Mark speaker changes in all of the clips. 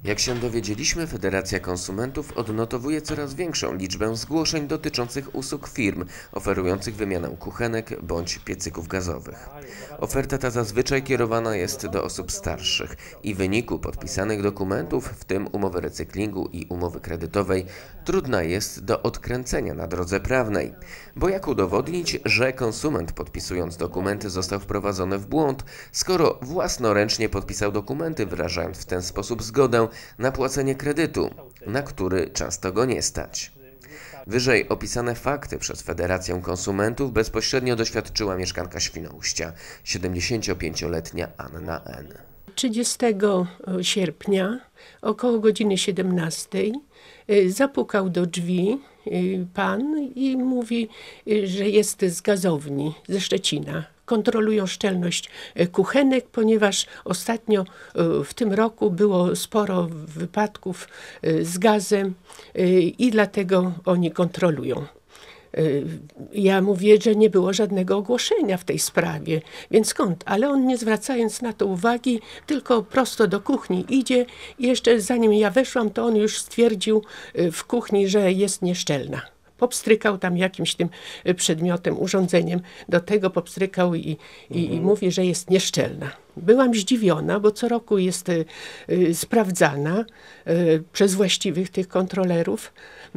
Speaker 1: Jak się dowiedzieliśmy, Federacja Konsumentów odnotowuje coraz większą liczbę zgłoszeń dotyczących usług firm oferujących wymianę kuchenek bądź piecyków gazowych. Oferta ta zazwyczaj kierowana jest do osób starszych i w wyniku podpisanych dokumentów, w tym umowy recyklingu i umowy kredytowej, trudna jest do odkręcenia na drodze prawnej. Bo jak udowodnić, że konsument podpisując dokumenty został wprowadzony w błąd, skoro własnoręcznie podpisał dokumenty, wyrażając w ten sposób zgodę na płacenie kredytu, na który często go nie stać. Wyżej opisane fakty przez Federację Konsumentów bezpośrednio doświadczyła mieszkanka Świnoujścia, 75-letnia Anna N.
Speaker 2: 30 sierpnia około godziny 17 zapukał do drzwi pan i mówi, że jest z gazowni ze Szczecina. Kontrolują szczelność kuchenek, ponieważ ostatnio w tym roku było sporo wypadków z gazem i dlatego oni kontrolują. Ja mówię, że nie było żadnego ogłoszenia w tej sprawie, więc skąd? Ale on, nie zwracając na to uwagi, tylko prosto do kuchni idzie i jeszcze zanim ja weszłam, to on już stwierdził w kuchni, że jest nieszczelna. Popstrykał tam jakimś tym przedmiotem, urządzeniem, do tego popstrykał i mówi, że jest nieszczelna. Byłam zdziwiona, bo co roku jest sprawdzana przez właściwych tych kontrolerów.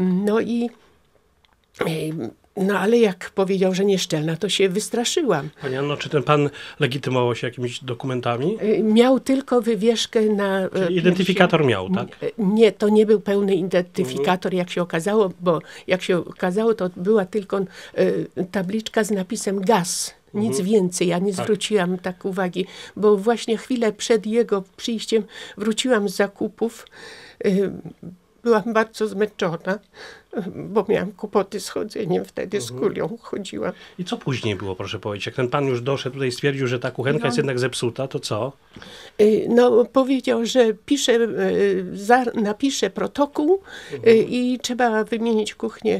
Speaker 2: No ale jak powiedział, że nieszczelna, to się wystraszyłam.
Speaker 3: Pani Anno, czy ten pan legitymował się jakimiś dokumentami?
Speaker 2: Miał tylko wywieszkę na
Speaker 3: Czyli identyfikator miał, tak?
Speaker 2: Nie, to nie był pełny identyfikator, jak się okazało, bo jak się okazało, to była tylko tabliczka z napisem gaz. Nic więcej. Ja nie zwróciłam tak uwagi, bo właśnie chwilę przed jego przyjściem wróciłam z zakupów. Byłam bardzo zmęczona, bo miałam kłopoty z chodzeniem, wtedy z kulią chodziłam.
Speaker 3: I co później było, proszę powiedzieć? Jak ten pan już doszedł tutaj i stwierdził, że ta kuchenka jest jednak zepsuta, to co?
Speaker 2: No, powiedział, że napisze protokół i trzeba wymienić kuchnię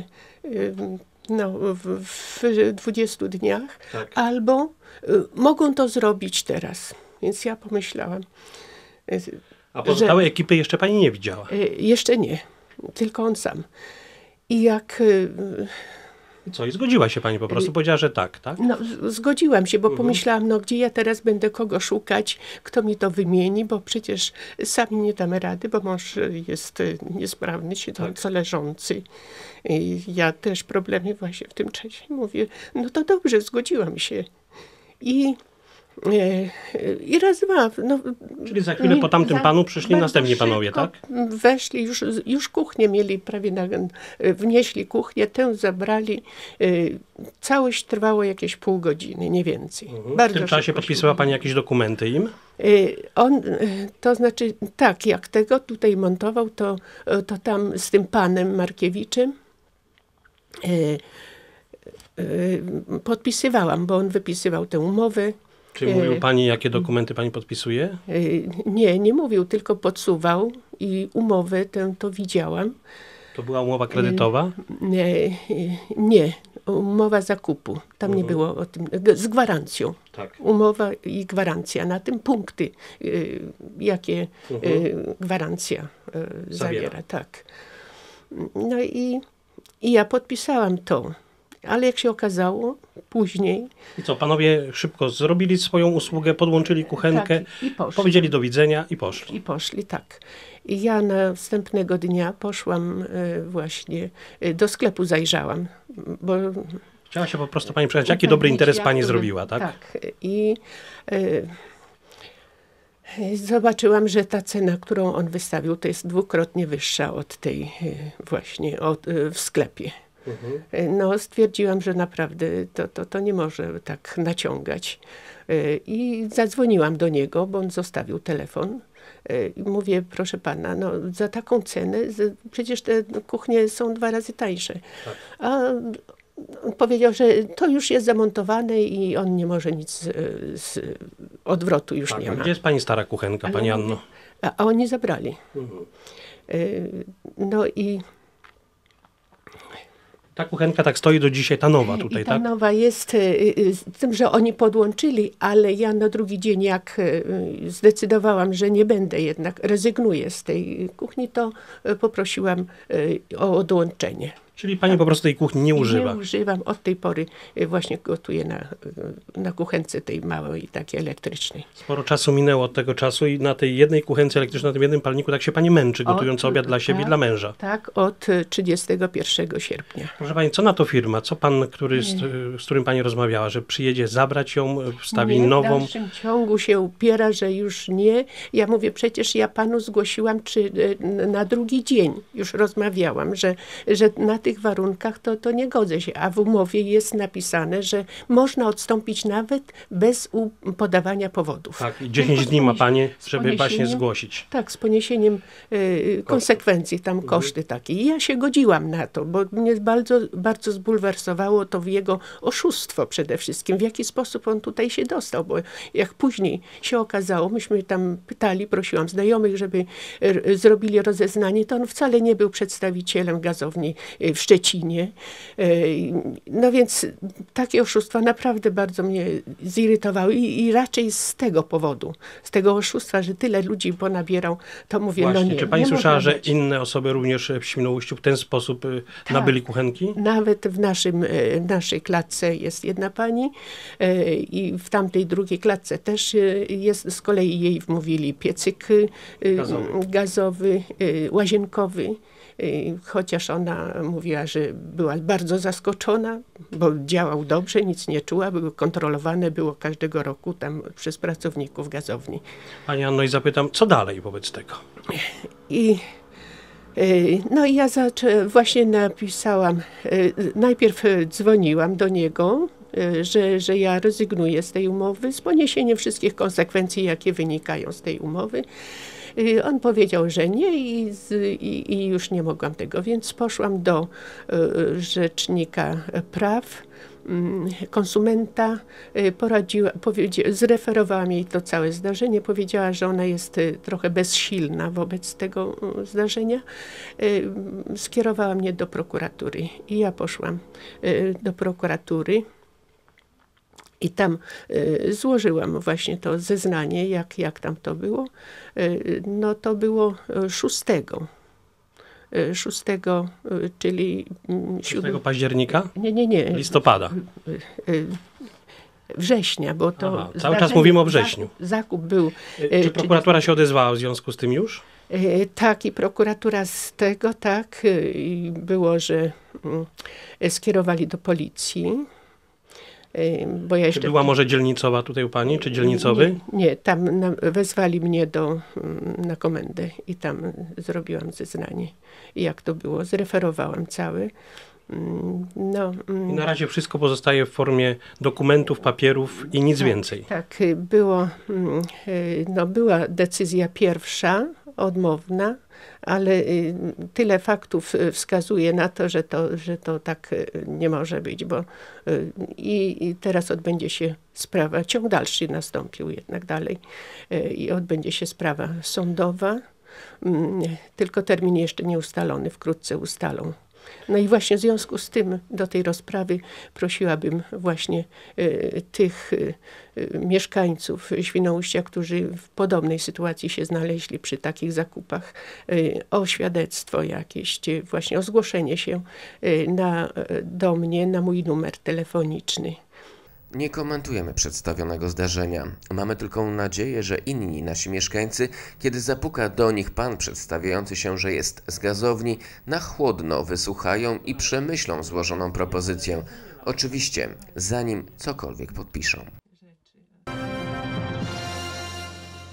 Speaker 2: w 20 dniach, tak. Albo mogą to zrobić teraz. Więc ja pomyślałam.
Speaker 3: A pozostałej ekipy jeszcze pani nie widziała?
Speaker 2: Jeszcze nie, tylko on sam. I jak...
Speaker 3: Co, i zgodziła się pani po prostu? Powiedziała, że tak, tak?
Speaker 2: No, zgodziłam się, bo pomyślałam, no gdzie ja teraz będę kogo szukać, kto mi to wymieni, bo przecież sami nie damy rady, bo mąż jest niesprawny, siedząco leżący. I ja też problemy właśnie w tym czasie. Mówię, no to dobrze, zgodziłam się. I raz, dwa. No,
Speaker 3: czyli za chwilę po tamtym panu przyszli następni panowie, tak?
Speaker 2: Weszli, już kuchnię mieli prawie, wnieśli kuchnię, tę zabrali. Całość trwało jakieś pół godziny, nie więcej.
Speaker 3: W tym czasie podpisywała pani jakieś dokumenty im?
Speaker 2: To znaczy, tak, jak tego tutaj montował, to tam z tym panem Markiewiczem podpisywałam, bo on wypisywał tę umowę.
Speaker 3: Czy mówił pani, jakie dokumenty pani podpisuje?
Speaker 2: Nie mówił, tylko podsuwał i umowę tę to widziałam.
Speaker 3: To była umowa kredytowa?
Speaker 2: Nie, umowa zakupu. Tam nie było o tym, z gwarancją. Tak. Umowa i gwarancja. Na tym punkty, jakie gwarancja zawiera. Tak. No i ja podpisałam to. Ale jak się okazało, później...
Speaker 3: I co, panowie szybko zrobili swoją usługę, podłączyli kuchenkę, tak, powiedzieli do widzenia i poszli.
Speaker 2: I poszli, tak. I ja następnego dnia poszłam właśnie, do sklepu zajrzałam, bo...
Speaker 3: Chciała się po prostu pani przejść, jaki dobry interes pani zrobiła, tak?
Speaker 2: Tak. I zobaczyłam, że ta cena, którą on wystawił, to jest dwukrotnie wyższa od tej właśnie w sklepie. No, stwierdziłam, że naprawdę to nie może tak naciągać. I zadzwoniłam do niego, bo on zostawił telefon. I mówię, proszę pana, no za taką cenę, przecież te kuchnie są 2 razy tańsze. Tak. A on powiedział, że to już jest zamontowane i on nie może nic z odwrotu już nie ma.
Speaker 3: Gdzie jest pani stara kuchenka, pani Anno?
Speaker 2: A oni zabrali. No i
Speaker 3: Ta kuchenka tak stoi do dzisiaj, ta nowa tutaj,
Speaker 2: I ta
Speaker 3: tak?
Speaker 2: nowa jest, z tym, że oni podłączyli, ale ja na drugi dzień, jak zdecydowałam, że nie będę jednak, rezygnuję z tej kuchni, to poprosiłam o odłączenie.
Speaker 3: Czyli pani po prostu tej kuchni nie używa.
Speaker 2: Nie używam. Od tej pory właśnie gotuję na kuchence tej małej, takiej elektrycznej.
Speaker 3: Sporo czasu minęło od tego czasu i na tej jednej kuchence elektrycznej, na tym jednym palniku tak się pani męczy, gotując obiad dla siebie i dla męża.
Speaker 2: Tak, od 31 sierpnia.
Speaker 3: Proszę pani, co na to firma? Co pan, z którym pani rozmawiała, że przyjedzie zabrać ją, wstawi nową?
Speaker 2: W dalszym ciągu się upiera, że już nie. Ja mówię, przecież ja panu zgłosiłam na drugi dzień. Już rozmawiałam, że na tych warunkach to nie godzę się. A w umowie jest napisane, że można odstąpić nawet bez podawania powodów.
Speaker 3: Tak, i 10 dni ma pani, żeby właśnie zgłosić.
Speaker 2: Tak, z poniesieniem konsekwencji, tam koszty takie. I ja się godziłam na to, bo mnie bardzo, bardzo zbulwersowało to jego oszustwo przede wszystkim. W jaki sposób on tutaj się dostał, bo jak później się okazało, myśmy tam pytali, prosiłam znajomych, żeby zrobili rozeznanie, to on wcale nie był przedstawicielem gazowni w Szczecinie. No więc takie oszustwa naprawdę bardzo mnie zirytowały i raczej z tego powodu, z tego oszustwa, że tyle ludzi ponabierał, to mówię,
Speaker 3: Właśnie,
Speaker 2: no nie.
Speaker 3: czy pani
Speaker 2: nie
Speaker 3: słyszała,
Speaker 2: można
Speaker 3: że
Speaker 2: być.
Speaker 3: inne osoby również w Świnoujściu w ten sposób nabyli kuchenki?
Speaker 2: Nawet w naszej klatce jest jedna pani i w tamtej drugiej klatce też jest, z kolei jej wmówili piecyk gazowy, łazienkowy. Chociaż ona mówiła, że była bardzo zaskoczona, bo działał dobrze, nic nie czuła, były kontrolowane, było każdego roku tam przez pracowników gazowni.
Speaker 3: Pani Anno, i zapytam, co dalej wobec tego?
Speaker 2: No i ja właśnie napisałam, najpierw dzwoniłam do niego, że ja rezygnuję z tej umowy z poniesieniem wszystkich konsekwencji, jakie wynikają z tej umowy. On powiedział, że nie i już nie mogłam tego, więc poszłam do rzecznika praw konsumenta, zreferowałam jej to całe zdarzenie, powiedziała, że ona jest trochę bezsilna wobec tego zdarzenia. Skierowała mnie do prokuratury i ja poszłam do prokuratury. I tam złożyłam właśnie to zeznanie, jak tam to było. No to było 6, czyli
Speaker 3: 7 października?
Speaker 2: Nie.
Speaker 3: Listopada.
Speaker 2: Września, bo to...
Speaker 3: Aha, cały czas mówimy o wrześniu.
Speaker 2: Zakup był...
Speaker 3: Czy prokuratura się odezwała w związku z tym już?
Speaker 2: Tak, i prokuratura z tego, tak, było, że skierowali do policji. Bo ja jeszcze...
Speaker 3: Czy była może dzielnicowa tutaj u pani, czy dzielnicowy?
Speaker 2: Nie, tam wezwali mnie na komendę i tam zrobiłam zeznanie. I jak to było, zreferowałam całe.
Speaker 3: I na razie wszystko pozostaje w formie dokumentów, papierów i nic więcej. Tak,
Speaker 2: była decyzja pierwsza, odmowna, ale tyle faktów wskazuje na to, że to tak nie może być, bo i teraz odbędzie się sprawa, ciąg dalszy nastąpił jednak dalej i odbędzie się sprawa sądowa, tylko termin jeszcze nie ustalony, wkrótce ustalą. No i właśnie w związku z tym do tej rozprawy prosiłabym właśnie tych mieszkańców Świnoujścia, którzy w podobnej sytuacji się znaleźli przy takich zakupach, o świadectwo jakieś, właśnie o zgłoszenie się do mnie na mój numer telefoniczny.
Speaker 1: Nie komentujemy przedstawionego zdarzenia. Mamy tylko nadzieję, że inni nasi mieszkańcy, kiedy zapuka do nich pan przedstawiający się, że jest z gazowni, na chłodno wysłuchają i przemyślą złożoną propozycję. Oczywiście, zanim cokolwiek podpiszą.